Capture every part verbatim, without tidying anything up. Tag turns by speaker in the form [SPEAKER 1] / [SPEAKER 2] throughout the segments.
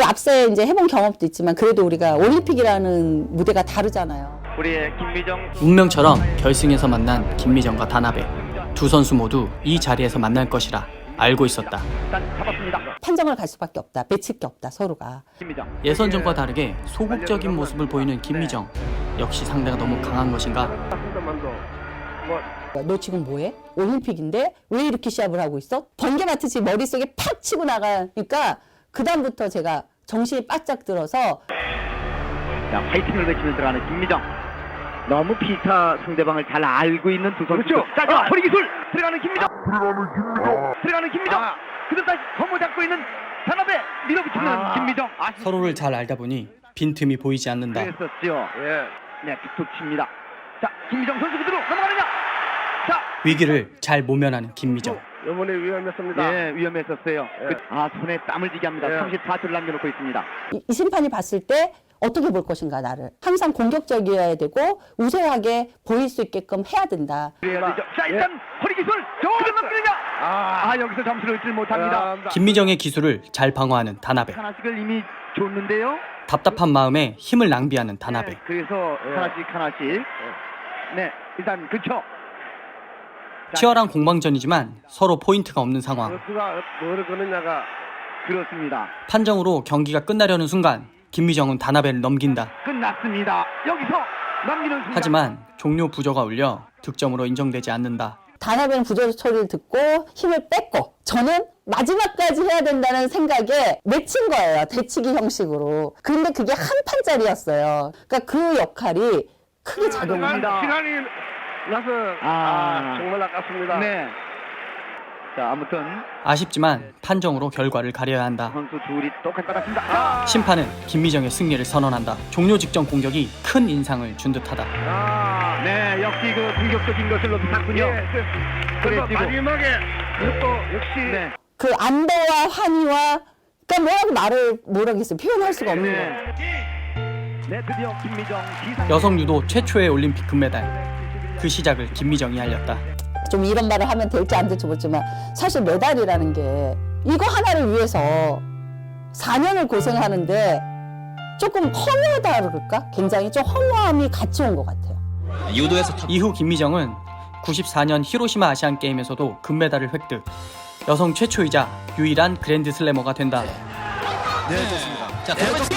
[SPEAKER 1] 앞서 이제 해본 경험도 있지만 그래도 우리가 올림픽이라는 무대가 다르잖아요.
[SPEAKER 2] 우리의 김미정
[SPEAKER 3] 운명처럼 결승에서 만난 김미정과 다나베. 두 선수 모두 이 자리에서 만날 것이라 알고 있었다.
[SPEAKER 2] 일단 잡았습니다.
[SPEAKER 1] 판정을 갈 수밖에 없다. 맺힐 게 없다, 서로가.
[SPEAKER 2] 김미정
[SPEAKER 3] 예선전과 다르게 소극적인 모습을 보이는 김미정. 역시 상대가 너무 강한 것인가?
[SPEAKER 1] 너 지금 뭐해? 올림픽인데 왜 이렇게 시합을 하고 있어? 번개 마트지 머릿속에 팍 치고 나가니까 그 다음부터 제가 정신이 바짝 들어서
[SPEAKER 2] 자, 파이팅을 외치며 들어가는 김미정. 너무 피타 상대방을 잘 알고 있는 두 선수. 그렇죠. 자, 자, 허리 기술 들어가는 김미정. 들어가는 김미정. 들어가는 김미정. 아. 그들 다시 거모 잡고 있는 다나베 밀어붙이는 아. 김미정. 아,
[SPEAKER 3] 서로를 잘 알다 보니 빈틈이 보이지 않는다.
[SPEAKER 2] 그랬었죠. 예. 네, 툭툭 칩니다. 자, 김미정 선수 그대로 넘어가느냐? 자,
[SPEAKER 3] 위기를 잘 모면하는 김미정.
[SPEAKER 4] 이번에 위험했습니다.
[SPEAKER 2] 예, 위험했었어요.
[SPEAKER 4] 예.
[SPEAKER 2] 그, 아, 손에 땀을 쥐게 합니다.
[SPEAKER 4] 예.
[SPEAKER 2] 삼십사 초를 남겨놓고 있습니다.
[SPEAKER 1] 이, 이 심판이 봤을 때 어떻게 볼 것인가 나를. 항상 공격적이어야 되고 우세하게 보일 수 있게끔 해야 된다.
[SPEAKER 2] 그래야 되죠. 자, 일단
[SPEAKER 4] 예.
[SPEAKER 2] 허리 기술 그대로 넘기느냐?
[SPEAKER 4] 아,
[SPEAKER 2] 아, 여기서 점수를 얻지 못합니다.
[SPEAKER 4] 아,
[SPEAKER 3] 김미정의 기술을 잘 방어하는 다나베.
[SPEAKER 2] 하나씩을 이미 줬는데요.
[SPEAKER 3] 답답한 마음에 힘을 낭비하는 다나베.
[SPEAKER 2] 네, 그래서
[SPEAKER 4] 예.
[SPEAKER 2] 하나씩 하나씩. 네, 일단 그쵸.
[SPEAKER 3] 치열한 공방전이지만 서로 포인트가 없는 상황.
[SPEAKER 4] 선수가 뭐를 거느냐가
[SPEAKER 2] 그렇습니다.
[SPEAKER 3] 판정으로 경기가 끝나려는 순간 김미정은 다나베를 넘긴다.
[SPEAKER 2] 끝났습니다. 여기서 넘기는 순간.
[SPEAKER 3] 하지만 종료 부저가 울려 득점으로 인정되지 않는다.
[SPEAKER 1] 다나베는 부조 소리를 듣고 힘을 뺐고 저는 마지막까지 해야 된다는 생각에 맺힌 거예요. 대치기 형식으로. 근데 그게 한 판짜리였어요. 그러니까 그 역할이 크게 작용합니다.
[SPEAKER 4] 시간이 나서
[SPEAKER 2] 아.
[SPEAKER 4] 아, 정말 아깝습니다.
[SPEAKER 2] 네. 자, 아무튼
[SPEAKER 3] 아쉽지만 판정으로 결과를 가려야 한다.
[SPEAKER 2] 선수 둘이 똑같이 받았습니다. 아,
[SPEAKER 3] 심판은 김미정의 승리를 선언한다. 종료 직전 공격이 큰 인상을 준 듯하다.
[SPEAKER 4] 아,
[SPEAKER 2] 네, 역시 그 공격적인 것을 높였군요.
[SPEAKER 4] 예, 그- 그래서
[SPEAKER 2] 그래지고.
[SPEAKER 4] 마지막에 또 역시
[SPEAKER 2] 네.
[SPEAKER 1] 그 안도와 환희와 그러니까 뭐라고 말을 뭐라겠어요. 표현할 수가 없는 거예요.
[SPEAKER 2] 네. 네, 드디어 김미정 기상.
[SPEAKER 3] 여성 유도 최초의 올림픽 금메달. 그 시작을 김미정이 알렸다.
[SPEAKER 1] 좀 이런 말을 하면 될지 안 될지 모르지만 사실 메달이라는 게 이거 하나를 위해서 사 년을 고생하는데 조금 허무하다 그럴까? 굉장히 좀 허무함이 같이 온 것 같아요.
[SPEAKER 3] 이후 김미정은 구십사 년 히로시마 아시안 게임에서도 금메달을 획득. 여성 최초이자 유일한 그랜드 슬래머가 된다.
[SPEAKER 5] 네, 좋습니다. 자, 드로매치.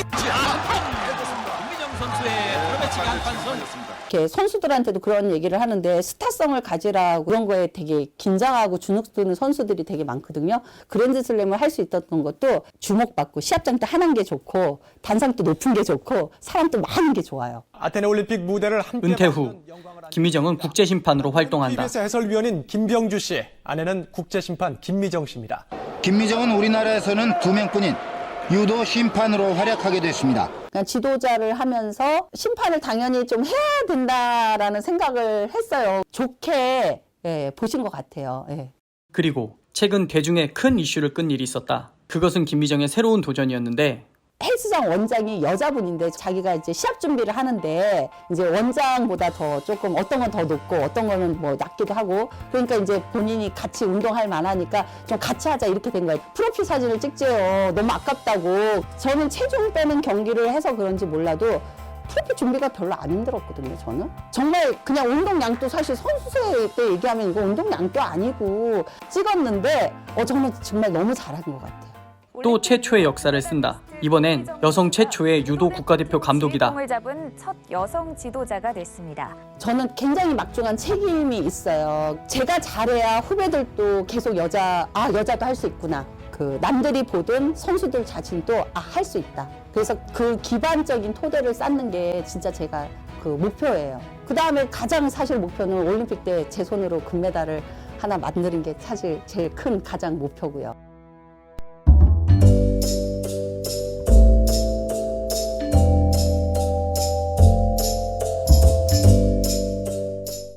[SPEAKER 5] 김미정 선수의 드로매치 강판선.
[SPEAKER 1] 이렇게 선수들한테도 그런 얘기를 하는데 스타성을 가지라 그런 거에 되게 긴장하고 주눅 드는 선수들이 되게 많거든요. 그랜드슬램을 할 수 있었던 것도 주목받고 시합장 때 하는 게 좋고 단상도 높은 게 좋고 사람도 많은 게 좋아요.
[SPEAKER 6] 아테네 올림픽 무대를 함께
[SPEAKER 3] 은퇴 후
[SPEAKER 6] 맡은 영광을 안긴
[SPEAKER 3] 김미정은 국제심판으로 활동한다.
[SPEAKER 6] 티비에스 해설위원인 김병주 씨, 아내는 국제심판 김미정 씨입니다.
[SPEAKER 7] 김미정은 우리나라에서는 두 명뿐인 유도 심판으로 활약하게 됐습니다.
[SPEAKER 1] 그냥 지도자를 하면서 심판을 당연히 좀 해야 된다라는 생각을 했어요. 좋게 예, 보신 것 같아요. 예.
[SPEAKER 3] 그리고 최근 대중에 큰 이슈를 끈 일이 있었다. 그것은 김미정의 새로운 도전이었는데
[SPEAKER 1] 헬스장 원장이 여자분인데 자기가 이제 시합 준비를 하는데 이제 원장보다 더 조금 어떤 건 더 높고 어떤 거는 뭐 낮기도 하고 그러니까 이제 본인이 같이 운동할 만하니까 좀 같이 하자 이렇게 된 거예요. 프로필 사진을 찍재요. 너무 아깝다고. 저는 체중 빼는 경기를 해서 그런지 몰라도 프로필 준비가 별로 안 힘들었거든요, 저는. 정말 그냥 운동량도 사실 선수생 때 얘기하면 이거 운동량도 아니고 찍었는데 어, 저는 정말 너무 잘한 것 같아요.
[SPEAKER 3] 또 최초의 역사를 쓴다. 이번엔 여성 최초의 유도 국가대표 감독이다.
[SPEAKER 8] 을 잡은 첫 여성 지도자가 됐습니다.
[SPEAKER 1] 저는 굉장히 막중한 책임이 있어요. 제가 잘해야 후배들도 계속 여자, 아, 여자도 할 수 있구나. 그 남들이 보던 선수들 자신도 아, 할 수 있다. 그래서 그 기반적인 토대를 쌓는 게 진짜 제가 그 목표예요. 그 다음에 가장 사실 목표는 올림픽 때 제 손으로 금메달을 하나 만드는 게 사실 제일 큰 가장 목표고요.